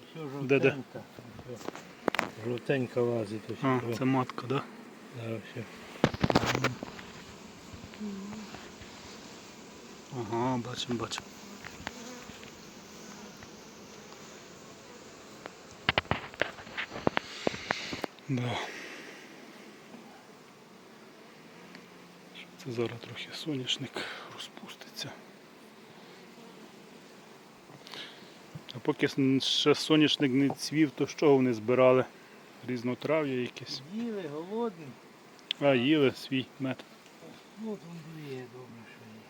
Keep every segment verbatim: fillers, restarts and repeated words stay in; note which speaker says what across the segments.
Speaker 1: Ось
Speaker 2: Де, де?
Speaker 1: жовтенька. Ось жовтенька лазить. Ось
Speaker 2: А,
Speaker 1: ось.
Speaker 2: це матка, да?
Speaker 1: Да, ось.
Speaker 2: Ага, бачимо, бачимо. Да. Це зараз трохи соняшник розпуститься. А поки ще соняшник не цвів, то що вони збирали? Різнотрав'я якесь.
Speaker 1: Їли, голодні.
Speaker 2: А, їли свій мед.
Speaker 1: Ну, там є добре, що є.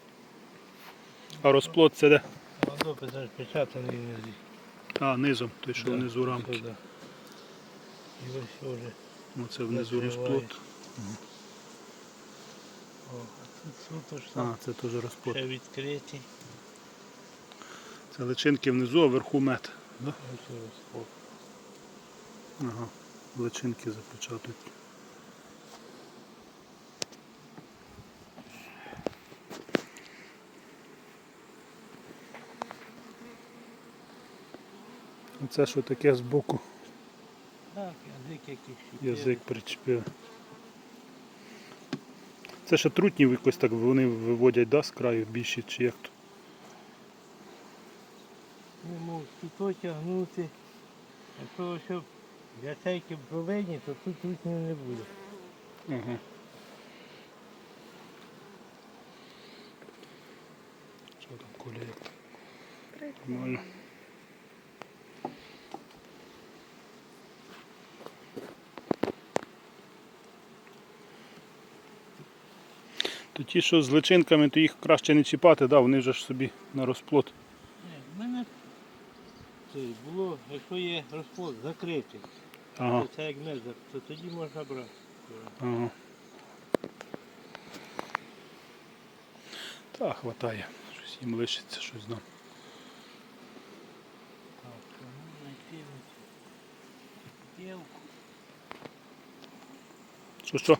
Speaker 2: А розплод це де?
Speaker 1: Водопис аж печатаний внизу.
Speaker 2: А, низом, той, що
Speaker 1: Да,
Speaker 2: внизу рамки.
Speaker 1: сюди. І ось вже.
Speaker 2: Оце внизу
Speaker 1: Накриває.
Speaker 2: розплод.
Speaker 1: О, а тут суто ж
Speaker 2: А,
Speaker 1: там
Speaker 2: це теж розплод.
Speaker 1: ще відкриті.
Speaker 2: Це личинки внизу, а вверху мед. Да?
Speaker 1: Ось розпод.
Speaker 2: Ага, личинки запечатують. Оце що таке збоку?
Speaker 1: Так, язик якийсь щепили.
Speaker 2: Язик причепив. Це ще трутні якось так вони виводять, да, з краю більші чи як то?
Speaker 1: Не можуть тут тягнути. Якщо ще ячейки проведені, то тут трутнів не буде.
Speaker 2: Ага. Що там коліє? Нормально. То ті, що з личинками, то їх краще не чіпати, да, вони вже ж собі на розплод.
Speaker 1: Ні, в мене це було, якщо є розплод закритий,
Speaker 2: Ага.
Speaker 1: то це як мезер, то тоді можна брати.
Speaker 2: Ага. Та, хватає. Щось їм лишиться, щось нам.
Speaker 1: Так, кому знайти білку.
Speaker 2: Що, що?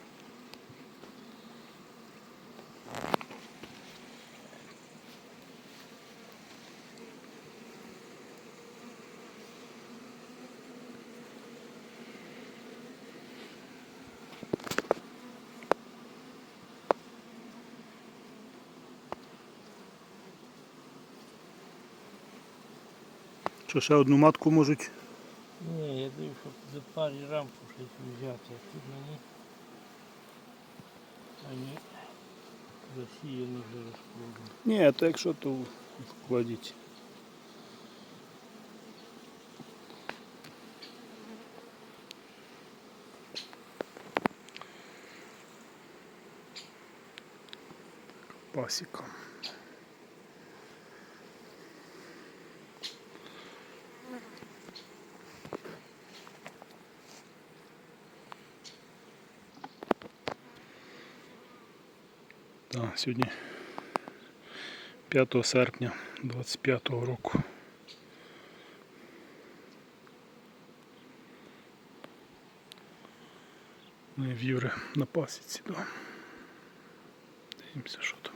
Speaker 2: Що, ще одну матку можуть?
Speaker 1: Ні, я дивлюсь, щоб до парі рамку щось взяти, а тут мені ані засіяно вже розплодом.
Speaker 2: Ні, то якщо, то вкладіть. Пасіка. Так, сьогодні п'ятого серпня двадцять п'ятого року. Ми в Юри на пасіці, да. Дивимося, що там.